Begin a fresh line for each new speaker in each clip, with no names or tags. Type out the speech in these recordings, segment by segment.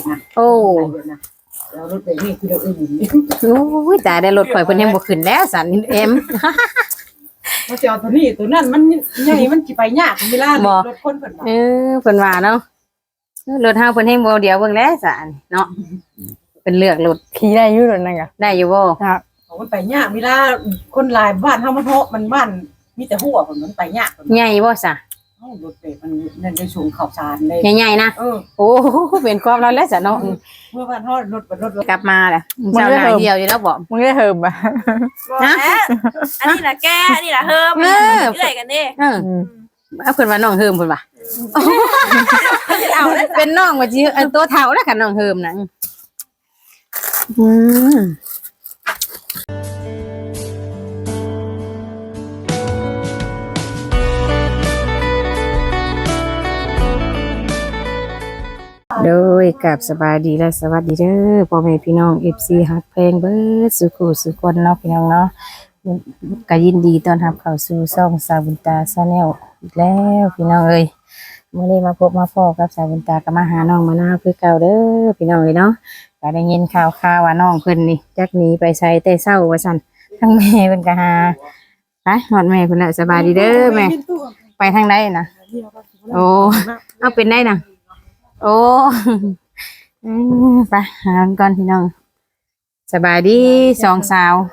โอ้
เรารถแบบนี้คือเราอื่น
โอ้ยจ่ายได้รถข่อยเพิ่นยังบ่ขึ้นแล้วสันเอ็ม
เขาจะเอาตัวนี้ตัวนั้นมันใหญ่มันสิไปยากเวลารถคนเพิ่นว่า
เพิ่นว่าเนาะรถเฮาเพิ่นให้บ่เดียวเบิ่งแล้วสันเนาะเพิ่นเลือกรถ
ขี่ได้อยู่รถนั่นก็
ได้อยู่บ่
ครับ
มันไปยากเวลาคนหลายบ้านเฮามันเหาะมันบ้านมีแต่หัวมันไปยาก
ใหญ่บ่ซะ
รถแบบมันนั่นได้สูงข่าวสารเลย
ใหญ่ๆนะโอ้เป็นความเราแล้วซะเนาะ
เมื่อวันทอดรถ
กลับมาแหละเจ้าหน้าเดียวอยู่แล้วบ่
มึงได้เฮิมบ่
นะอันนี้ล่ะแกอันนี้ล่ะเฮิมเอื้อยกันเด้
เอาเพิ่นว่าน้องเฮิมเพิ่นว่า
เอาแล้ว
เป็นน้องว่าสิตัวเฒ่าแล้วกันน้องเฮิมน่ะโดยกับสบายดีและสวัสดีเด้อพ่อแม่พี่น้อง FC ฮักเพลงเบิดสุขุสุคนเนาะพี่น้องเนาะก็ยินดีต้อนรับเข้าสู่ช่องสาวบุญตาชาแนลอีกแล้วพี่น้องเอ้ยมื้อนี้มาพบมาพ้อกับสาวบุญตาก็มาหาน้องมะนาวคือเก่าเด้อพี่น้องเอ้ยเนาะก็ได้ยินข่าวว่าน้องเพิ่นนี่จักหนีไปไสแต่เช้าว่าซั่นทั้งแม่เพิ่นก็หาไปฮอดแม่เพิ่นแล้วสบายดีเด้อแม่ไปทางใดน่ะโอ้เอาเป็นได้น่ะโอ้ไปหาก่อนพี่น้องสบายดีสองสาว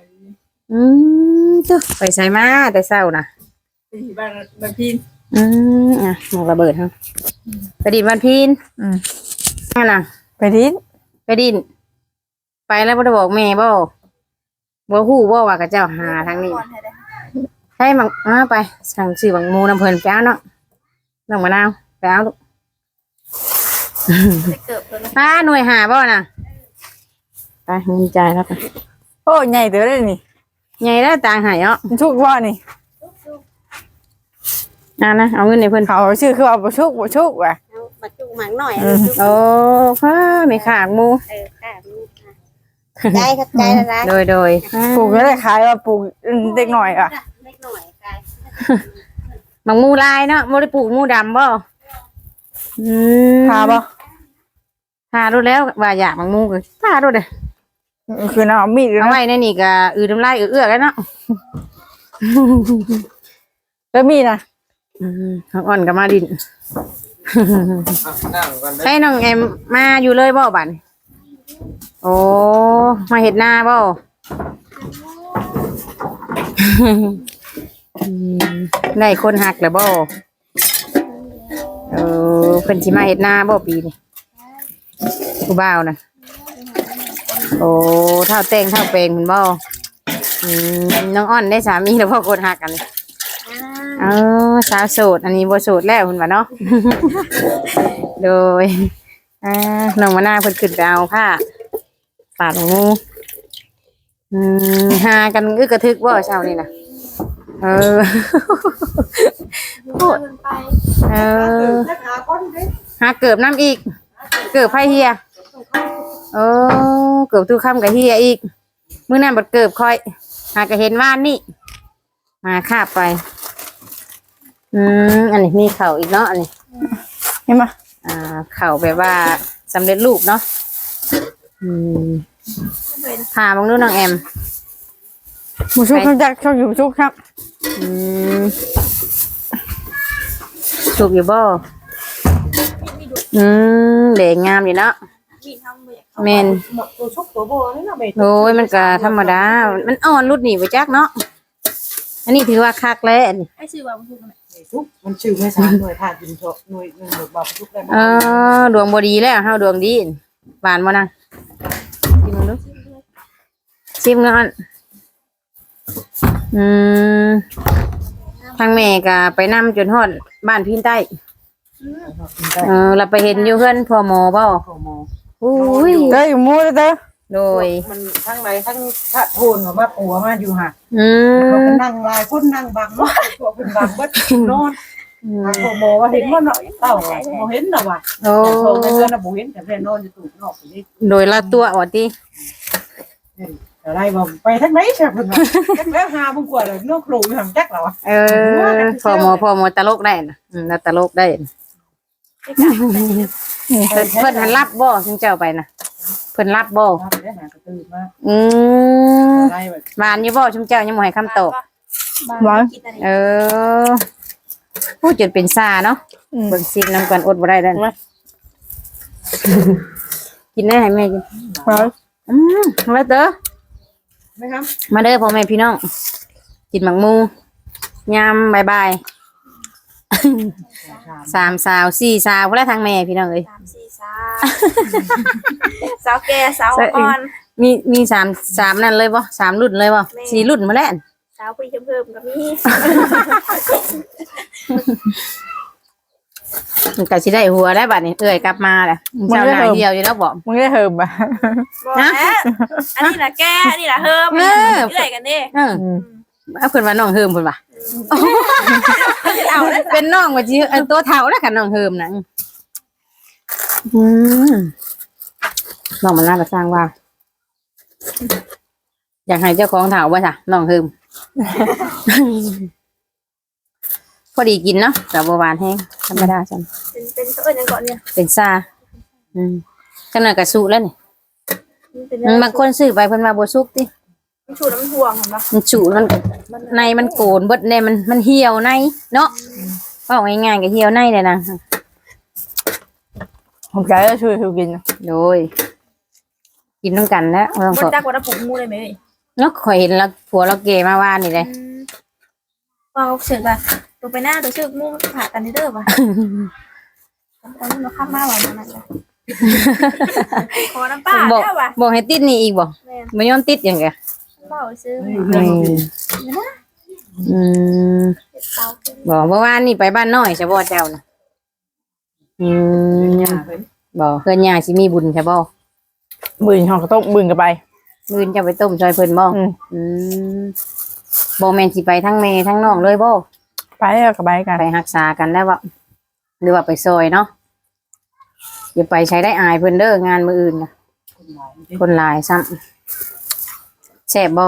ตุ๊ไปใส่มาแต่เช้านะ
บ้านพิน
อ่ะหมกระเบิดฮะไปดินวันพินนั่นน่ะ
ไปดิน
ไปแล้วบ่ได้บอกแม่บ่ฮู้บ่ว่ากับเจ้าหาทางนี้ให้มังไปสั่งซื้อบังมูน้ำเพิ่นไปเอาเนาะน้องมะนาวไปเอาลูกหน่วยหาบ่น่ะไปเงินจ่ายแล้วกัน
โอ้ใหญ่เด้อเลยนี่
ใหญ่แล้วต่างหายเนาะ
ชุกบ่นี่
นะเอาเงินในเพิ่น
เขาชื่อคือเอาบ่ชุกว่ะ
มาจุกหมังหน่อย
โอ้พ่อไม่ขาดมู
ค่ะใจครับใจแล้วนะ
โดย
ปลูกได้ขายว่าปลูกเด็กหน่อยอ่ะ
เล็กหน่อยกาย
บางมูลายเนาะบ่ได้ปลูกมูดำบ่
พาบ่
พารู้แล้วว่าอยากบางมูก็พารู้เด้อ
คือน้ามีด
เอาไว้ในนี่ก็น้ำลายเอื้อแล้วเนาะ
แล้วมีนะ
อ่อนกับมาดินให้น้องแอมมาอยู่เลยบ่บัดโอ้มาเฮ็ดนาบ่ได้คนหักแล้วบ่เพิ่นสิมาเฮ็ดนาบ่ปีนี้ผู้บ่าวน่ะโอ้เท่าแต่งเท่าเปลงเพิ่นบ่น้องอ้อนได้สามีแล้วพ่อกดหักกันสาวโสดอันนี้บ่โสดแล้วเพิ่นว่าเนาะโดยน้องมะนาวเพิ่นขึ้นไปเอาผ้าปาดงูหากันอึกกระทึกบ่เช้านี่น่ะพูดหาเกือบน้ำอีกเกือบไผเฮียเกือบตู้ค่ำกับเฮียอีกมื้อนั้นบ่เกือบค่อยหาก็เห็นว่านนี่มาคาบไปอันนี้มีเข่าอีกเนาะอันนี้
เห็นป่ะ
เข่าแบบว่าสำเร็จรูปเนาะพาบังดูน้องแอม
หมูชุกเขาจะชอบอยู่ชุกครับ
ชุกอยู่บ่เด็กงามอยู่เนาะเมนโอ้ยมันก็ธรรมดามันอ่อนรุดหนีไปจักเนาะอันนี้ถือว่าคักแล้ว
ไอ้ชื่อว่ามัน
มันชื่อไม่สารหน่วยผ่าดินหน่วยบ่าวทุกได้
ดวงบ่ดีแล้วเฮาดวงดีหวานบ่นางชิมดูชิมก่อนทางแม่ก็ไปนำจนฮอดบ้านพินใต้เราไปเห็นอยู่เพื่อนพอหมอบ่
อุ้ยได้อยู่มูเด้อ
โดย
มันทั้งไหนทั้งพระโทนว่าปัวมาอยู่ห่ะเขาก็นั่งลายคนนั่งบังเนาะตัวเป็นบังเบิดนอนพอหมอว่าเห็นว่าเนาะเต่าบ่เห็นน่ะว่ะโอ้ในเรือนน่ะบ่เห็นแต่แม่นอนอยู่ตู้นอกนี่
โดยละตัวว่าติ
อะไรบ่ไปทางไหนซะเพิ่นว่าจักแล้วหาบ่กว่าเลยนอกโคอยู่หั่นจักแล้ว
พอหมอตลกได้น่ะตลกได้เพิ่นหันรับบ่ถึงเจ้าไปนะเพิ่นรับบ่
รับได้หากระตือมา
อืม
ได้แบบ
หวานอยู่บ่ชุมเจ้ายังบ่ให้คำตอบ
หวาน
เออพูดจนเป็นซาเนาะเบิ่งซิมน้ำกันอดบ่ได้แล้วกินได้ให้แม่กิน
หวาน
มาเด้อ
ไหมครับ
มาเด้อพ่อแม่พี่น้องกินหมักมูยามบ่ายๆ3 สาว 4 สาวพุ่นละทางแม่พี่น้องเอ้ย
3 4 สาวแก่สาวอ่อน
มี3นั่นเลยบ่3รุ่นเลยบ่4รุ่นมาแล้ว
สาวผู้เพิ่มก็มี
มันก็สิได้หัวได้บัดนี้เอ้ยกลับมาแหละเจ้าหน้าเดียวอยู่แล้วบ่
มึงได้เหิมป่ะ
บอกแล้วอันนี้ล่ะแก่อันนี้ล่ะเฮิมเอื้อยกันเด้
เออเอาเพิ่นว่าน้องเฮิมเพิ่นว่า
เอาแล้ว
เป็นน้องว่าสิตัวเฒ่าแล้วกันน้องเฮิมน่ะน้องมันน่าจะสร้างว่า อยากให้เจ้าของเฒ่าบ่จ้ะน้องเฮิม พอดีกินเนาะแต่บ่หวานแห้งธรรมดาจัง
เป็นเขาเอิ้นหยังก่อนเนี่ย
เป็นซาจังนั้นก็สุแล้วนี่
เป็น
บางคนซื้อไปเพิ่นว่าบ่สุกติ
มันชูน้ำห่วงเห็นปะ
มันสุมันในมันโกนเบิดแน่มันเหี่ยวในเนาะเว้าง่ายๆก็เหี่ยวในเลยนะ
ผมใจจะช่วยคือกิน
โดยกินต้องกันแล้วต้อง
มันจักว่าน้ำผงมูเลยไหม
เนาะข่อยเห็นแล้วผัวเราเกมาว่านี่เลย
ว่าเขาเสือกว่าตัวไปหน้าตัวเสือกมูผ่ากันเด้อป่ะตอนนี้เราข้ามมาวันนั้นแหละขอน้ำป้า
บอก
ได้ป่ะ
บอกให้ติดนี่อีกบ่
แม่
ไม่ยอมติดอย่างเงี้ย
เบาซื้อ
อืม
เตาขึ้น
บอกเมื่อวานนี่ไปบ้านน้อยใช่บ่เจ้านะบอกเพื่อนยาสิมีบุญใช่บ่
บืนห่อกระต้มบืนกันไป
มื้อจะไปต้มซอยเพิ่นบ่ อืมบ่แม่นสิไปทั้งแม่ทั้งน้องเลยบ่
ไปแล้วกับไปกัน
ไปรักษากันแล้วบ่หรือว่าไปซอยเนาะอย่าไปใช้ได้อายเพิ่นเด้องานมื้ออื่นน่ะคนหลายซ้ำแซ่บบ่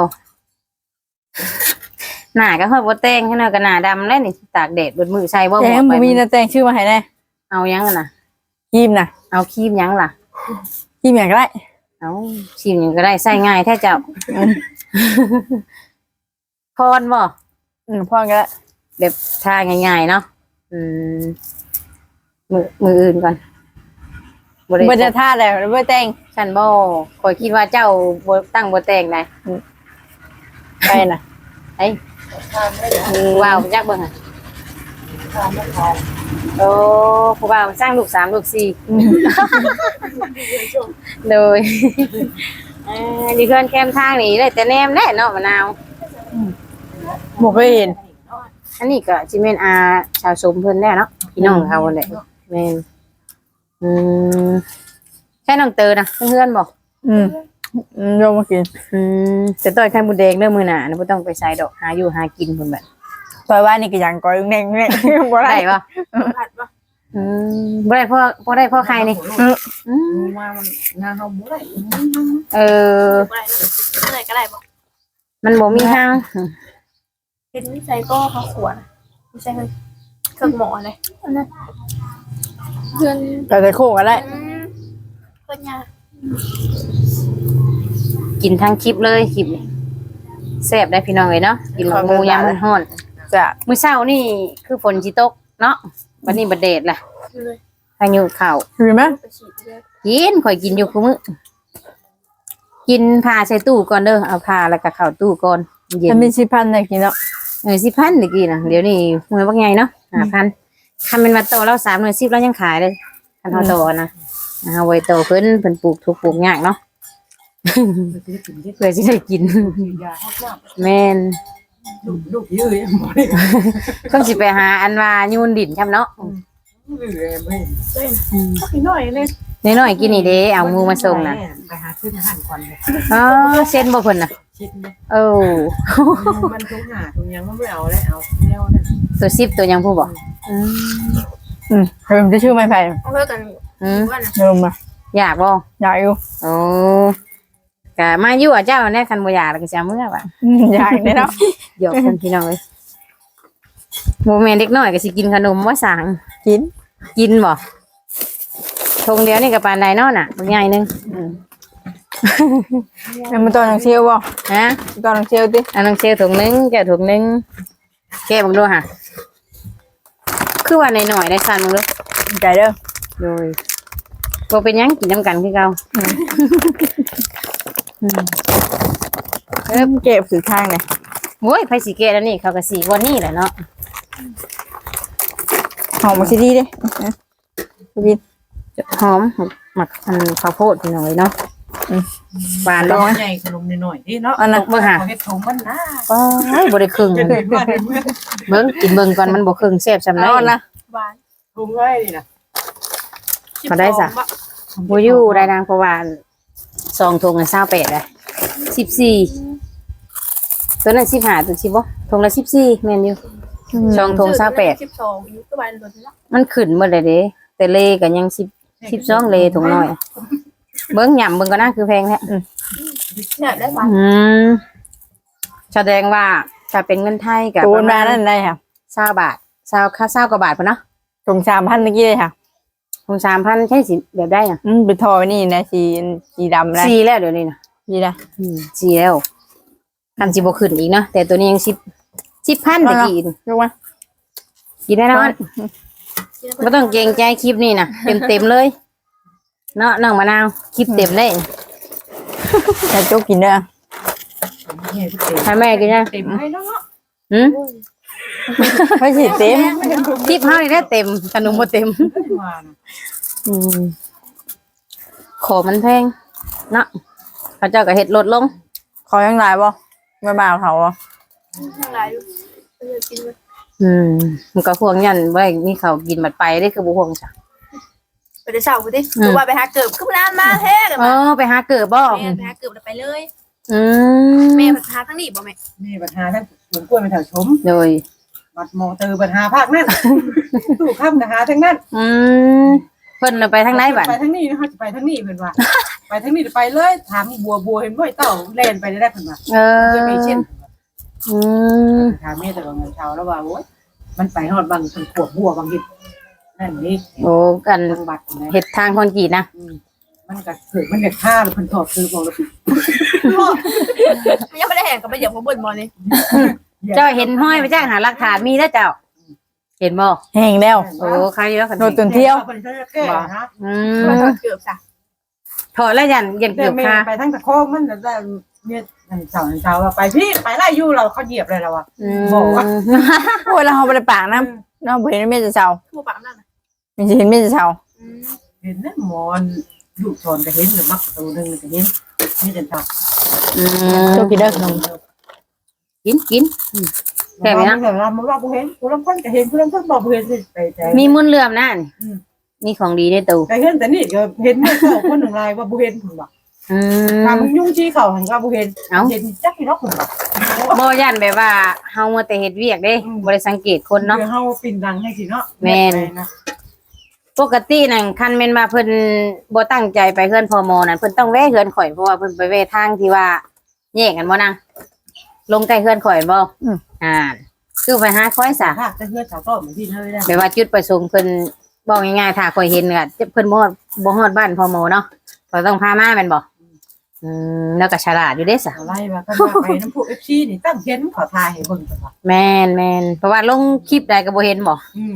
หน้าก็ฮอดบ่แต่งให้หน่อยก็หน้าดำแล้วนี่ตากแดดเบิดมื้อใส่บ่
แจ
หม
ง
ดไป
บ่มีนะแจงชื่อมาให้แน่
เอายังอะน่ะ
ยิ้มนะ
เอาครีมยังล่ะ
ยิ้มอย่างไร
เอาครีมหยังก็ได้ใส่ง่ายแท้เจ้าพรบ่
พ่อก็ได้
แบบทาง่ายๆเนาะอืมมืออื่นก่อนบ่ได้
บ่จะท่าแล้วบ่แต่ง
ฉันบ่คอยคิดว่าเจ้าบ่ตั้งบ่แต่งได้
ไปน่ะ
ไอ้ว้าวจักเบิ่งอ่ะโอ้ผู้บ่าวสร้างลูก3ลูก4โดยนี่เพิ่นแคมทางนี่ได้แต่แนมแน่เนาะมะนาว
บ่เคยเห็น
อันนี้ก็สิแม่นอาชาวสมเพิ่นแน่เนาะพี่น้องเขาแหละแม่นใช่น้องเตอนะเพื่อนบ่
โยมมากิน
แต่ต้อยไข่มดแดงเด้อมื้อหน้านะบ่ต้องไปใส่ดอกหาอยู่หากินเพิ่นแบบ
ซอยว่านี่ก็ยังก้อยแน่งๆบ่ได้
ได้บ่
ผัดป่ะ
บ่ได้พ่อได้พ่อไข่นี่
มามันงานเขาบ่ได้
เออ
อะไรก็ได้ป่ะ
มันบ่มีทาง
เป็นวิจัยก็เขาขวดวิจัยเครื่องหมอเลยเพื่อน
ก็จะโคกก็ได้
เพื่อนยา
กินทั้งคลิปเลยคลิปนี่แซ่บได้พี่น้องเอ้ยเนาะกินหมูยามมันร้อน
จะ
มื้อเช้านี่คือฝนสิตกเนาะวันนี้บ่แดดล่ะ
เลย
พายุเข้า
เห็นไหม
ไปฉีดเลย
กินข่อยกินอยู่คุมื้อกินผ้าใส่ตู้ก่อนเด้อเอาผ้าแล้วก็เข้าตู้ก่อนเย็น
มันมี10,000ได้กินเนาะ
10,000ตะกี้น่ะเดี๋ยวนี้หน่วยบักใหญ่เนาะ 5,000คันเป็นว่าโตเรา3หน่วย10เรายังขายเลยคันเฮาโตนะเอาไว้โตเพิ่นปลูกทุกปลูกยากเนาะ เพื่อสิได้กิน
ยาฮอดน้
แม่น
ำลูกยื้อบ่ได้
คงสิไปหาอันว่ายูนดินช่ำเนาะ
ยื้อไม่
พี่หน่อยเลย
น้อยๆกินนี่เด้เอาหมูมาส่งน่ะ
ไปหาขึ้นหันก่อนเลย
อ๋อเซ็นบ่เพิ่นน่ะ
ชิดเลย
โอ้
มันทุกหาทุกยังมันไม่เอาได้เอาแนวนั่น
ตัว10ตัวยังผู้บ่
เริ่มจะชื่อไม่ไผ่
เอาเพื่อกัน
อืม
ว่านะ
เริ่มมา
อยากบ่
อยากอยู่
โอ้ก็มาอยู่อ่ะเจ้าแน่คันบ่อยากแล้วก็จะเอามื้อว่ะ
อยากได้เนาะ
หยอกกันพี่น้องเอ้ยโมแม่นเด็กน้อยก็สิกินขนมว่าสั่ง
กิน
กินบ่ทงเดียวนี่กับปานใดเนาะน่ะใหญ่นึง
แล้วมันตอนหนังเชียวบ่
ฮะ
ตอนหนังเชียวติ
อันนึงเชลถุงนึงแกถุงนึงแกบังดูค่ะคือว่าหน่อยๆได้สั่นมึงดู
ใจเด้อ
โดยบ่เป็นหยังกินน้ำกันคือเก่า
เก็บสื่อทางเลย
โอ้ยไผสิแกะแล้วนี่เขาก็สิวันนี้แหละเนาะ
หอมมาสิดีเด้บิน
หอมหมักอันข้าวโพดพี่น้อยเนาะหวาน
ล
แล้
อ
ว
งใหญ่ขนมหน่อยๆนี่เนาะ
อันนั้น
เบิ่งหา
เฮ็ดถุงมันนะ
ป้าบ่ได้ครึ่ง
จะเห็นว่าเห็นเมื่อ
เบิ่งกินเบิ่งก่อนมันบ่ครึ่งแซ่บซำได
เอานะ
หวาน
ถุงไว้นี่นะ
พอได้จ้ะ บ่อยู่ได้นางเพราะว่า2ถุงน่ะ28ได้14ตัวนั้น15ตัว10บ่ถุงละ14แม่นอยู่2ถุง28
12อยู่ตัวใบหล่นแล้ว
มันขึ้นหมดเลยเด้แต่เลก็ยัง12เลถุงน้อยเบิ่งหย่ำเบิ่งก็น่าคือแพงแท้
เนี่ยได้หวาน
แสดงว่าถ้าเป็นเงินไทยกับ
ตู
ป
น
ระ
มา
มาณ
นั่นได้ค่ะ
20 บาท20กว่าบาทพุ่นเนาะ
ตรง3,000เมื่อกี้เลยค่ะ
คง3,000ใช่สิแบบได้น่ะ
เป็นทอนี่นะสีดำนะ
4แล้วเดี๋ยวนี้น่ะ
ดีนะ
4แล้วคันสิบ่ขึ้นอีกเนาะแต่ตัวนี้ยัง10,000ตะกี้นี่
ยกมา
กินได้แล้วบ่ต้องเกรงใจคลิปนี้น่ะเต็มๆเลยเนาะน้องมะนาวคลิปเต็มเลย
แต่โจ๊กกินเด้อ
ให้แม่กินนะ
เต็มให้แล้วเนาะ
หืม
ไม่ใช่เต็ม
คลิปเฮานี่ได้เต็มขนมบ่เต็ม
มานะ
ของมันแพงเนาะเขาเจ้าก็เฮ็ดลดลง
ขอยังไงบ่ไม่มาเอาเขาบ่
ทั้งหลายอยู่กิน
มันก็ห่วงยันไว้มีเขาวกินบัดไปได้คือบ่ห่วงจ้ะ
ไปได้เช้ากูดิตัวว่าไปหาเกิบขึ้นน้ำมาแท้กัน
อ๋อ
มา
ไปหาเกิดบ่
แม่ไปหาเกิบแล้วไปเลย
อืม
แม่พาทั้งนี้บ่แม่
นี่ปัญหาทั้งสวนกล้วยเป็นแถวชม
โดย
บัดมอเตอร์ปัญหาภาคนั่นตู้ข้ามปัญหาทั้งนั้น
อืมเพิ่นน่ะไปทางไหนบัด
ไปทั้งนี้นะคะจะไปทั้งนี้เพิ่นว่าไปทั้งนี้ไปเลยถามบัวเห็นบ่เต่าแล่นไปได้เพิ่นว่า
เออ
จะมีเช่น
อืม
ถามแม่แต่ว่าเงินเช้าแล้วว่าโอ๊ยมันไปฮอดบางเป็นขวบบัวบางทีนั่นนี่
โอ้กัน
ทางบัตรนะ
เฮ็ดทางคอนกรีตนะ
มันก็ถือมันก็ฆ่าแล้วเพิ่นถอดซื้อบอกแล้ว
ยังไม่ได้แห่งกับไปเหยียบหัวบนมอนี่
เจ้าเห็นห้อยไปจ้างหาหลักฐานมีแล้วเจ้า เห็นบ่
แห้งแล้ว
โอ้ใครอยู่แล้วกัน
โดนตุนเที่ยว
เพิ่นจะแก้นะ
อื
มาม เกือบจ้ะ
ถอดแล้วยันเย็น
เดี๋
เกื
ย
อ
ว
บ
แม่
ค่ะ
ไปทั้งตะโคงมันได้เนี่ยเช้าว่าไปพี่ไปไล่อยู่เราเขาเหยียบเลยเราอ่ะ บอกว่า
โอ้ยแล้วเขาบ่ได้ปากนะเราบ่เห็นแม่จะเซา
ทั่วปากนั่นน่ะ
ไม่เห็นแม่จะเซา
เห็นนั่นหมอนลูกชอนก็เห็นหรือมักตัวนึงก็เห็นนี่จะตัก
อื
โจ๊
ม
กกินเด้อขนม
กินแค่
แต่
นี้
ไม่
นะ
นะมันว่ากูเห็นกูลำพันก็เห็นกูลำพันบอกกูเห็นไปใจ
มีมุนเลื่อมนั่นมีของดีในตู้
แต่เห็นแต่นี่ก็เห็นเมื่อเช้าคนหนึ่งลายว่ากูเห็นผมว่า
อืม
ทำยุ่งชี้เขาหันว่ากูเห็นเห็นจักที่นกผมว่า
บ่ยันแบบว่าเฮามัวแต่เฮ็ดเวียกเด้บ่ได้สังเกตคนเนาะ
เฮาปิ่นดังให้สิเนาะ
ปกตินั่นคันแม่นมาเพิ่นบ่ตั้งใจไปเฮือนพ่อหมอนั่นเพิ่นต้องแวะเฮือนข่อยเพราะว่าเพิ่นไปแวะทางที่ว่าแยกกันบ่นางลงใกล้เฮือนข่อยบ่คือไปหาข่อยซะ
ถ้าจะเฮือสาวก็เหมือนที่เธอได้
แบบว่าจุดประสงค์เพิ่นบอกง่ายๆถ้าข่อยเห็นก็เพิ่นบ่ฮอดบ้านพ่อหมอเนาะข่อยต้องพามาแม่นบ่แล้วก็ฉลาดอยู่เด้ซะ
อะไรว่าก็ไปน้ำพุ FC นี่ตั้งเห็นขอทายให้เบิ่งก่อนว่า
แม่นเพราะว่าลงคลิปใดก็บ่เห็นบ่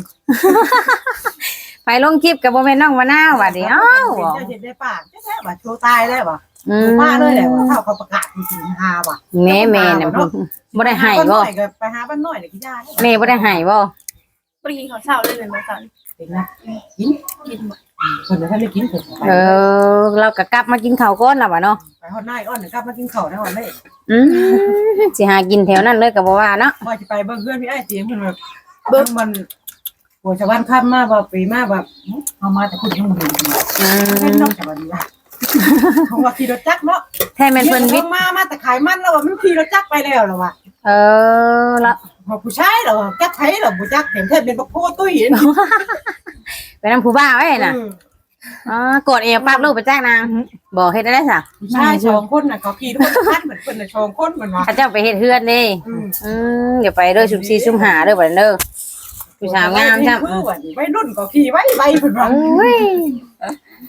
ไปลงคลิปก็บ่แม่นน้องมะนาวว่าดิอ้าว
เห็นได้ปากแท้ว่าโชว์ตายแล้วว่ะป้าเลยแหละว่าถ้าเขาประกาศจริงๆฮาว่ะ
แม่น่ะบ่ได้ให้บ่
ไปหาบ้านน้อยน่ะกินยา
แม่บ่ได้ให้บ่
บ่ได้กินข้าวเช้าเลยเป็นบ่ซั่น
เป็นนะกิน
กินบ่
คนถ้าไม่กินเพิ่น
เราก็กลับมากินข้าวก่อนล่ะวะเนาะ
ไปฮอดนายอ้อนกลับมากินข้าวได้วันเลย
สิหากินแถวนั้นเลยก็บ่ว่าเนาะ
ว่าจะไปเบิ่งเพื่อนพี่ไอ้เสียงเพิ่นแบบเบิ่งมันโหชาวบ้านค่ำมาว่าปีมาแบบเอามาแต่คุณยังบ่เห็นเป็นนอกจากวันนี้เพราะว่าขี่รถจักรเนาะ
แท้แม่นเพิ่นวิ
มาแต่ขายมันแล้วว่ามันขี่รถจักรไปแล้วแล้วว่ะ
ละ
พอผู้ชายแล้วจักไผแล้วบ่จักเห็นแท้เป็นบักโพตุ้ย
ไปนำผู้บ่าวไว้น่ะกดเอวปั๊บลูกไปแจ้งนางบ่เฮ็ดได้ซะ
ผู้ชาย2คนน่ะเขาขี่ทุกคนเหมือนเพิ่นน่ะ2คนเหมือนว่า
เขาเจ้าไปเฮ็ดเฮือนนี่เดี๋ยวไปเด้อซุ่ม4ซุ่ม5เด้อบัดเด้อผู้สาวงามจ้ะ
วัยรุ่นก็ขี่ไว้เพิ่นว่า
โอ้ย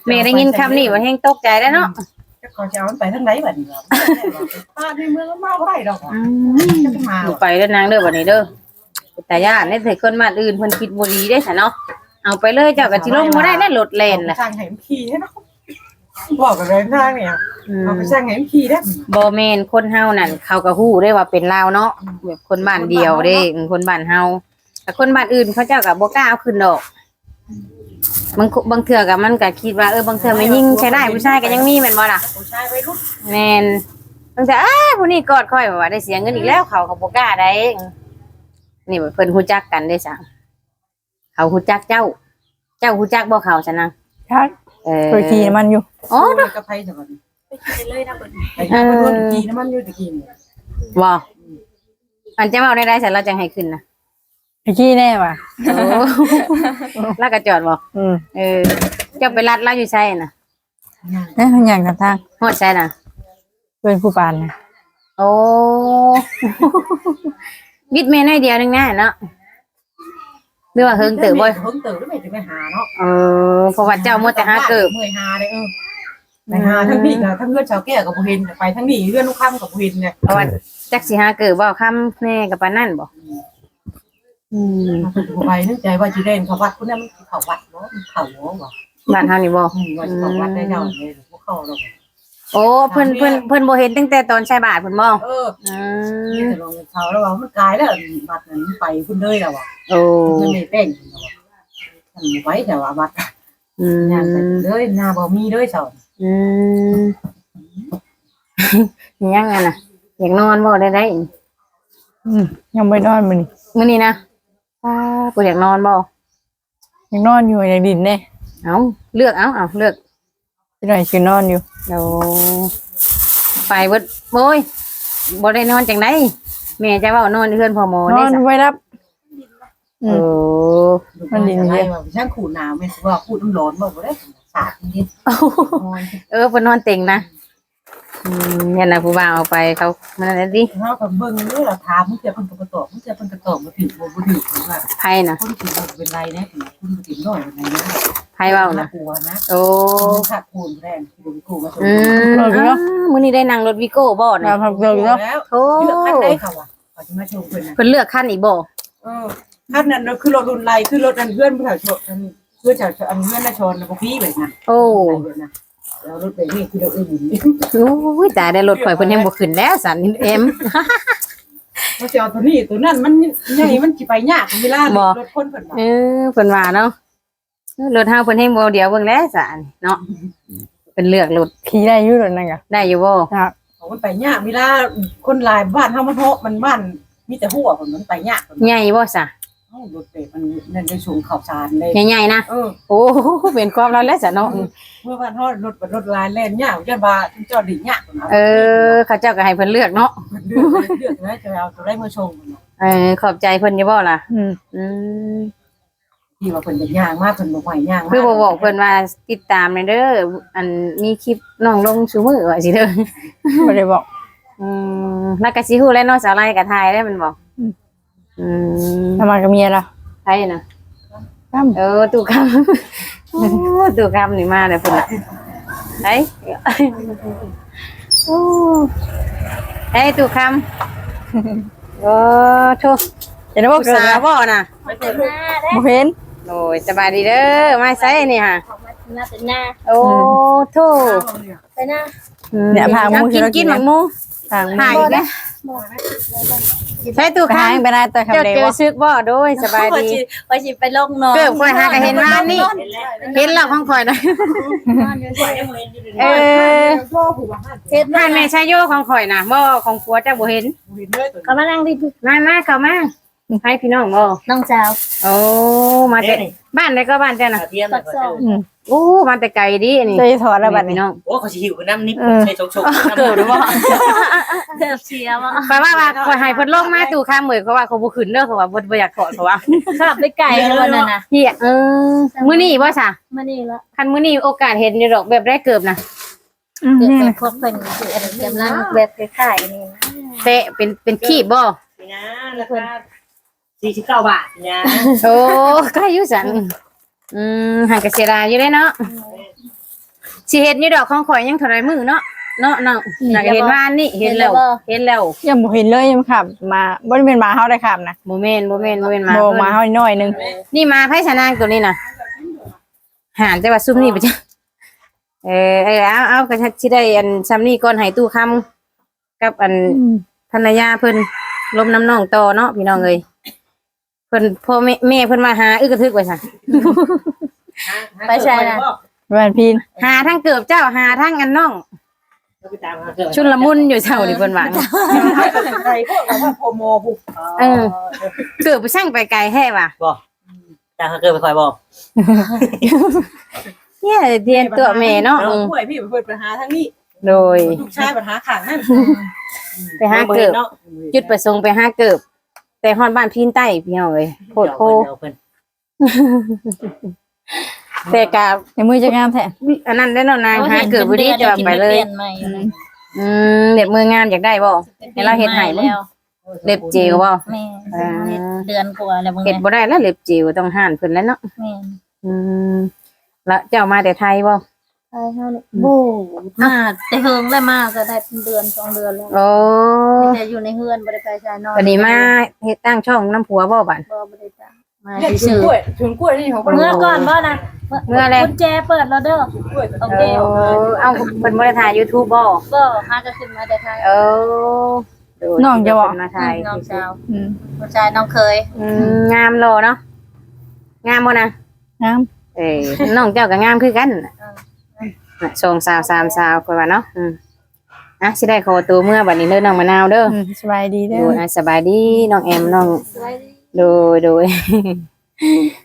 แม่ได้ยินคำนี้ว่าแฮงตกใจแล้วเนาะ
จะขอจะเอามันไปทางไหนบัดนี้ครับป้าในเมืองมันมาบ่ได้ดอกจะมา
ไปเด้อนางเด้อบัดนี้เด้อแต่ย่านได้ใส่คนบ้านอื่นเพิ่นคิดบ่ดีเด้ซะเนาะเอาไปเลยเจ้าก็สิลงบ่ได้แล้วรถแล่นแหละ
สร้างให้มันขี่ให้เนาะบอกกันเลยทางเนี่ยเอาไปสร้างให้มันขี่ได้
บ่แม่นคนเฮานั่นเขาก็ฮู้ได้ว่าเป็นลาวเนาะแบบคนบ้านเดียวเด้คนบ้านเฮาแต่คนบ้านอื่นเขาเจ้าก็บ่กล้าเอาขึ้นดอกบางเทื่อก็มันก็คิดว่าบางเทื่อไม่ยิ่งใช้ได้ผู้ชายก็ยังมีแม่นบ่ล่ะ
ผู้ชายวัยรุ่น
แม่นบางเทื่อผู้นี้กอดค่อยว่าได้เสียเงินอีกแล้วเขาก็บ่กล้าได้นี่เพิ่นฮู้จักกันได้จังเขาฮู้จักเจ้าฮู้จักบ่เขาซะนาง
ครับเคยขี่มันอยู่
อ๋อกับไผจังบัด
ไปกินเลยนะเบิด
ไอ้คนขี่น้ำมันอยู่ตะกี้นี่
บ่อันจะเว้าได้ๆซั่นเราจังให้ขึ้นนะ
ไปขี่แน่ว่ะ
โอ้แล้วก็จอดบ่ เจ้าไปรัดแล้วอยู่ใช่น่ะ
นี่ทุกอย่างกับทาง
ฮอดใช่น่ะ
เป็นผู้ปานนะ
โอ้ บิดเมนให้เดียวนึงแน่เนาะหรือว่าเฮิงเติบบ่
เฮิงเติบแล้วแม่จะไปหาเนาะ
เพราะว่าเจ้ามัวแต่หาเกิบ
เมื่อยหาเลยไปหาทั้งพี่กับทั้งเพื่อนชาวแก่กับบ่เห็นไปทั้งนี่เพื่อนลูกค้ำกับบ่เห็นไง
เพราะว่าจักสิหาเกิบบ่คำแน่กับปานนั่นบ่
ไปนึกใจว่าสิเล่นเขาวัดพุ่นนั้นมันเขาวัดเนาะเขาหัวบ่
บ้านเฮานี่บ่
ว่าสิเขาวัดได้เจ้าเลยพวกเขาดอก
โอ้เพิ่นบ่เห็นตั้งแต่ตอนใช้บาทเพิ่นบ่
นี่จะลงเขาแล้วว่ามันกลายแล้วบัดนั้นไปพุ่นเลยแล้วอ่ะ
โอ้
มันไม่เต้นมันไว้แต่ว่าบัดงานไปเลยหน้าบ่มีเลยเจ้า
ยังไงน่ะอยากนอนบ่ได้
ยังไม่นอนมัน
มื้อนี้นะบ่อยากนอนบ่
ยังนอนอยู่ในดินเนี่ย
เอาเลือกเอาเลือก
พี่หน่อยคือนอนอยู่
โอ้ไปเบิดโอ้ยบ่ได้นอนจังได๋แม่จะเว้านอนเฮือนพ่อหมอน
อ
ได้
น
ซะ
ไว้รับ
โอ้
มันดินเยอะช่างขูดหนาวแม่นว่าขูดน้ำร้อนบ่ได้สาดนิด
เพิ่นนอนเต็งนะเนี่ยนะผู้บ่าวเอาไปเขามันอะไรดิ
เฮาก็เบิ่งนี่ล่ะถามมึงจะเพิ่นก็บ่ตอบมึงจะเพิ่นก็ตอบบ่ถึงบ่ถึงว่า
ไผน่ะ
คนที่บ่เป็นไรนะคุณบ่ถึงน้อยเป็นไรนะ
ไผเว้าน่ะ
กลัวนะ
โอ้
ขาดคูณแรงคูณกูมาตรง
มื้อนี้ได้นั่งรถวิโก้บ่
มา
น่ะ
พักเดียวแล้ว
แล้ว
โอ้
เลือกคันได้ค่ะว่ะขอจะมาชมเพิ่นนะ
เพิ่นเลือกคันอีกบ่
คันนั้นคือรถรุ่นไรคือรถอันเพื่อนผู้ชายชนเพื่อนชาวอันเพื่อนน่ะชนบ่พี่แบบนั้น
โอ้
แล้วรถแบบนี้คือรถอื่น
โอ้ยตายได้รถข่อยเพิ่นยังบ่ขึ้นแล้วสันเอ็ม
เขาจะเอาตัวนี้ตัวนั้นมันใหญ่มันสิไปยากเวลารถคนเพิ่น
เพิ่นว่าเนาะรถเฮาเพิ่นให้บ่เดียวเบิ่งแล้วสันเนาะเพิ่นเลือกรถ
ขี่ได้อยู่หรอนั่นกะ
ได้อยู่บ่
ครับ
มันไปยากเวลาคนหลายบ้านเฮามันโหมันบ้านมีแต่หัวมันไปยาก
ใหญ่บ่ซะ
รถเตะมันนั่นได้สูงข่าวสารเลย
ใหญ่ๆนะโอ้เป็นความเราแล้วซะเนาะ
เมื่อวันทอดรถลายแล่นยากจะบาจอดดิ่งยากนะ
เขาเจ้าก็ให้เพิ่นเลือกเนาะ
เลือกนะจะเอาตัวได้มาชง
ขอบใจเพิ่นอยู่บ่ล่ะ
ที่ว่าเพิ่นเป็นยากมากเพิ่นบ่ไหวยาก
คือบ่บอกเพิ่นว่าติดตามเด้ออันมีคลิปน้องลงซุมื้อว่าสิเด้อ
ไม่ได้บอก
แล้วก็สิฮู้แล้วเนาะสาวไร่ก็ถ่ายได้มันบอก
ทำไมกับเมียล่ะ
ใช่น่ะตู่คำโอ้ตู่คำนี่มาเลยเพิ่นน่ะไอ้โอ้ไอ้ตู่คำโอ้โธ่
จะได้บอก
สาวบ่น่ะ
มาเต็มหน้าได้
บ่เห็น
โอ้ยสบายดีเด้อมาไสนี่ฮะ
ออกมาหน้าเต็มหน้า
โอ้โธ่
ไปหน้า
เนี่ยพามู
กินหมักหมู
ทาง
หายอีกแล้วใช่ตู่
ทาง
คำ
ไปนะแต่คำ
เจ้า
เดีย
เจอ
ว
ซึกบ่โดยสบายดี
ว่าสิไปลงนอน
เกิดค่อยหาก็เห็นว่านี่เห็นแล้วของข่อยนะเฮ็ดบ้านแม่ชายโยของข่อยนะบ่ของผัวเจ้าบ่เห็น
เขามานั่งดิ
มาเข้ามาให้พี่น้องบ่
น้องสาว
โอ้มาแต่บ้านใดก็บ้านเจ้าน่ะ
ปักซอง
โอ้มาแต่ไกลดินี่
จะถอดแล้วบัด
พี่
นี้
น้อง
โอ้เขาสิหิวกันน้ำนิดใส่ชกๆ
เกิดหรือบ่
เกือบเสียว่ะ
ข่อยว่าข่อยให้เพิ่นลงมาตู่ข้ามมื้อเขาว่าเขาบ่ขึ้นเด้อเขาว่าบ่อยากถอดเขาว่า
ขับไปไกลวันนั้นน่ะ
เฮียมื้อนี้บ่ซะ
มานี่ละ
คันมื้อนี้โอกาสเห็นอยู่ดอกแบบได้เกือบนะ
เกือบไปพบเพิ่นคืออันกำลังแบบคล้ายๆนี่
เตะเป็นขีบบ่
นี่นะราคา49 บาทนะ
โอ้ก็อยู่สันหันกระเสียดายอยู่ได้เนาะสิเฮ็ดอยู่ดอกของข่อยยังเท่าไรมื้อเนาะเนาะน่ะเห็นว่านี่เห็นแล้ว
ยังบ่เห็นเลยยังขับมาบ่ได้เป็นหมาเฮาได้ขับนะ
บ่แม่นมา
โบมาเฮาน้อยนึง
นี่มาไผชะนางตัวนี้น่ะหานแต่ว่าซุมนี่บ่จ้ะเอาก็สิได้อันซ้ำนี้ก่อนให้ตู้คำกับอันภรรยาเพิ่นลมน้ำน้องต่อเนาะพี่น้องเอ้ยเพิ่นพ่อแม่เพิ่นมาหาอึกกระทึกไว้ซะ
ไปใช่น่ะ
บ้านพีน
หาทั้งเกือบเจ้าหาทั้งอันน้องชุนละมุนอยู่เจ้านี่เพิ่นว่า
ใครพวกเราว่าโปรโมบุก
เกือบไปช่างไปไกลแท้ว่ะ
บอกจ้าเขาเกิดไปคอยบอก
เนี่ยเรียนตัวแม่เนาะ
ป่วยพี่เปิดปัญหาทั้งนี้
โดย
ลูกชายปัญหาขังนั่น
ไปหาเกือบจุดประสงค์ไปหาเกือบแต่ฮอดบ้านพีนใต้พี่น้องเอ้ยโพดโพแต่กะ
ในมือจะงามแท้
อันนั้นได้เนาะนางหาเกือบบ่ดีจะไปเลยเด็บมืองานอยากได้บ่ให้เราเฮ็ดให้บ่เล็บเจลบ่
แม่เดือนกว่าแล้วมึง
เฮ็ดบ่ได้แล้วเล็บเจลต้องห่านเพิ่นแล้วเนาะ
แม่
แล้วเจ้ามาแต่ไทยบ่
ใช่เท่านี้บูมาแต่เฮิงได้มากก็ได้เป็นเดือน2 เดือนแล้ว
โอ้
แต่อยู่ในเฮือนบ่ได้ไปใช้นอน
วันนี้มาเฮ็ดตั้งช่องน้ำผัวบ่บัด
บ่ได้จ้ะมา
เนี่ย
ซื่อ
ชุนกล้วยนี่ของ
เมื่อก่อนบ่นะกุญแจเปิดแล้วเด้อ
กล้วย
โอเค
เอาเพิ่นบ่ได้ถ่าย YouTube บ่
ก็หาก็ขึ้นมาแต่ไทย
น้องจะบอก
มาถ่าย
น้องสาว
อืม
ผู้ชายน้องเคย
งามโลเนาะงามบ่นะ
งาม
น้องเจ้าก็งามคือกันน่ะสองสาวสามสาวคือว่าเนาะสิได้ขอตัวเมื่อบัดนี้เด้อน้องมะนาวเด้อ
สบายดีเด้
โด
อย
สบายดีน้องแอมน้องโดย